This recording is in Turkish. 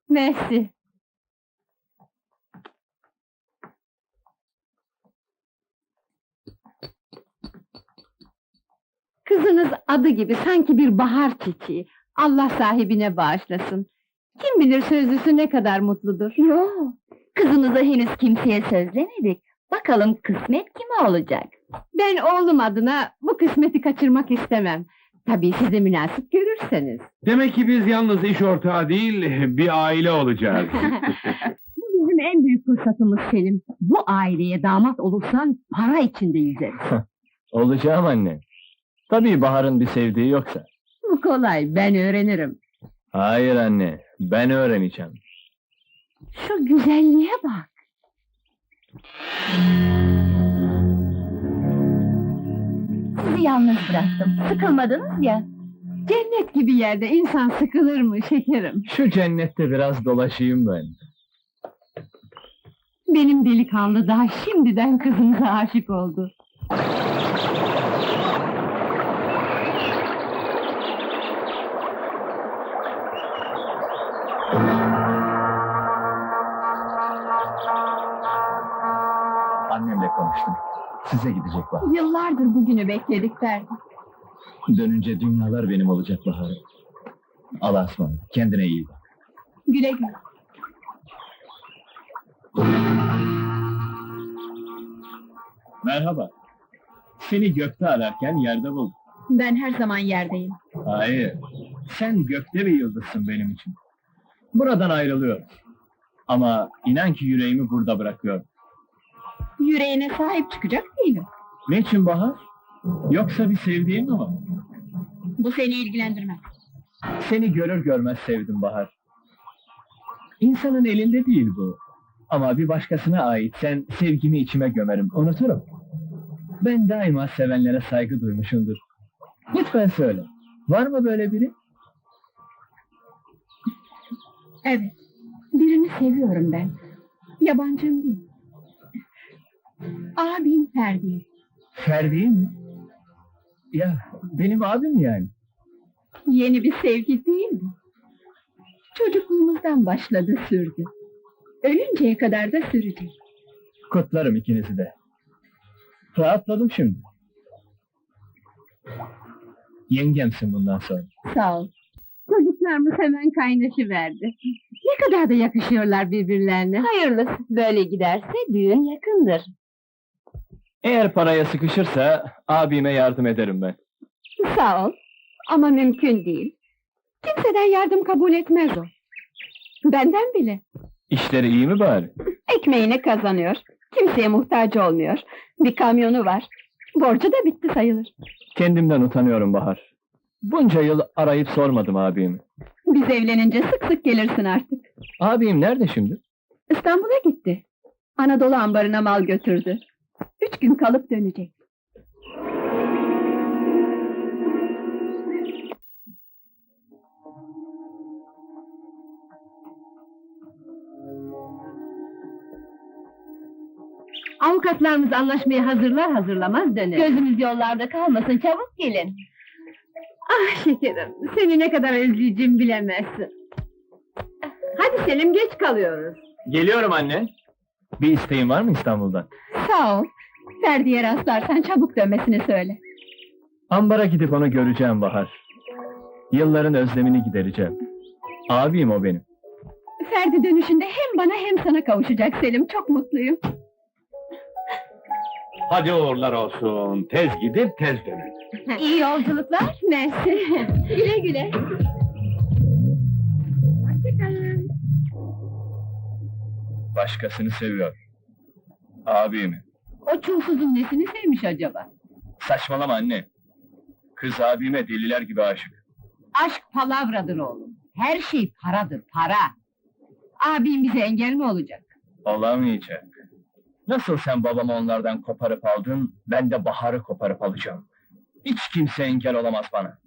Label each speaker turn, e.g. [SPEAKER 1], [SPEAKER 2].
[SPEAKER 1] Mersi. Kızınız adı gibi sanki bir bahar çiçeği. Allah sahibine bağışlasın. Kim bilir sözlüsü ne kadar mutludur.
[SPEAKER 2] Yo, kızınızı henüz kimseye sözlemedik. Bakalım kısmet kime olacak?
[SPEAKER 1] Ben oğlum adına bu kısmeti kaçırmak istemem. Tabii siz de münasip görürseniz.
[SPEAKER 3] Demek ki biz yalnız iş ortağı değil, bir aile olacağız.
[SPEAKER 1] Bu bizim en büyük fırsatımız Selim. Bu aileye damat olursan para içinde yüzeriz.
[SPEAKER 4] Olacağım anne. Tabii Bahar'ın bir sevdiği yoksa.
[SPEAKER 1] Bu kolay, ben öğrenirim.
[SPEAKER 4] Hayır anne, ben öğreneceğim.
[SPEAKER 1] Şu güzelliğe bak.
[SPEAKER 2] Sizi yalnız bıraktım. Sıkılmadınız ya.
[SPEAKER 1] Cennet gibi yerde insan sıkılır mı şekerim?
[SPEAKER 4] Şu cennette biraz dolaşayım ben.
[SPEAKER 1] Benim delikanlı daha şimdiden kızınıza aşık oldu.
[SPEAKER 4] Annemle konuştum. Size gidecek Bahar.
[SPEAKER 1] Yıllardır bugünü bekledik Ferdi.
[SPEAKER 4] Dönünce dünyalar benim olacak Bahar. Allah'a ısmarladık. Kendine iyi bak.
[SPEAKER 1] Güle güle.
[SPEAKER 4] Merhaba. Seni gökte ararken yerde buldum.
[SPEAKER 1] Ben her zaman yerdeyim.
[SPEAKER 4] Hayır. Sen gökte bir yıldızsın benim için. Buradan ayrılıyorum. Ama inan ki yüreğimi burada bırakıyorum.
[SPEAKER 1] Yüreğine sahip çıkacak değilim.
[SPEAKER 4] Ne için Bahar? Yoksa bir sevdiğin mi var?
[SPEAKER 1] Bu seni ilgilendirmez.
[SPEAKER 4] Seni görür görmez sevdim Bahar. İnsanın elinde değil bu. Ama bir başkasına ait sen sevgimi içime gömerim, unuturum. Ben daima sevenlere saygı duymuşumdur. Lütfen söyle, var mı böyle biri?
[SPEAKER 1] Evet, birini seviyorum ben. Yabancım değil. Abim Ferdi.
[SPEAKER 4] Ferdi mi? Ya, benim abim yani.
[SPEAKER 1] Yeni bir sevgi değil mi? Çocukluğumuzdan başladı sürdü. Ölünceye kadar da sürecek.
[SPEAKER 4] Kutlarım ikinizi de. Rahatladım şimdi. Yengemsin bundan sonra.
[SPEAKER 1] Sağ ol. Çocuklarımız hemen kaynaşıverdi. Ne kadar da yakışıyorlar birbirlerine.
[SPEAKER 2] Hayırlısı. Böyle giderse düğün yakındır.
[SPEAKER 4] Eğer paraya sıkışırsa abime yardım ederim ben.
[SPEAKER 1] Sağ ol. Ama mümkün değil. Kimseden yardım kabul etmez o. Benden bile.
[SPEAKER 4] İşleri iyi mi bari?
[SPEAKER 1] Ekmeğini kazanıyor. Kimseye muhtaç olmuyor. Bir kamyonu var. Borcu da bitti sayılır.
[SPEAKER 4] Kendimden utanıyorum Bahar. Bunca yıl arayıp sormadım abimi.
[SPEAKER 1] Biz evlenince sık sık gelirsin artık.
[SPEAKER 4] Abim nerede şimdi?
[SPEAKER 1] İstanbul'a gitti. Anadolu ambarına mal götürdü. 3 gün kalıp dönecek. Avukatlarımız anlaşmayı hazırlar hazırlamaz döner.
[SPEAKER 2] Gözümüz yollarda kalmasın, çabuk gelin.
[SPEAKER 1] Ah şekerim, seni ne kadar özleyeceğimi bilemezsin. Hadi Selim, geç kalıyoruz.
[SPEAKER 4] Geliyorum anne. Bir isteğin var mı İstanbul'dan?
[SPEAKER 1] Sağ ol. Ferdi'ye rastlarsan çabuk dönmesini söyle.
[SPEAKER 4] Ambara gidip onu göreceğim Bahar. Yılların özlemini gidereceğim. Abim o benim.
[SPEAKER 1] Ferdi dönüşünde hem bana hem sana kavuşacak Selim, çok mutluyum.
[SPEAKER 3] Hadi uğurlar olsun, tez gidip tez dönün.
[SPEAKER 2] İyi yolculuklar.
[SPEAKER 1] Mersi. Güle güle. Hoşçakalın.
[SPEAKER 4] Başkasını seviyor. Abimi.
[SPEAKER 1] O çulsuzun nesini sevmiş acaba?
[SPEAKER 4] Saçmalama anne. Kız abime deliler gibi aşık.
[SPEAKER 1] Aşk palavradır oğlum. Her şey paradır, para. Abim bize engel mi olacak?
[SPEAKER 4] Olamayacak. Nasıl sen babamı onlardan koparıp aldın, ben de Bahar'ı koparıp alacağım. Hiç kimse engel olamaz bana.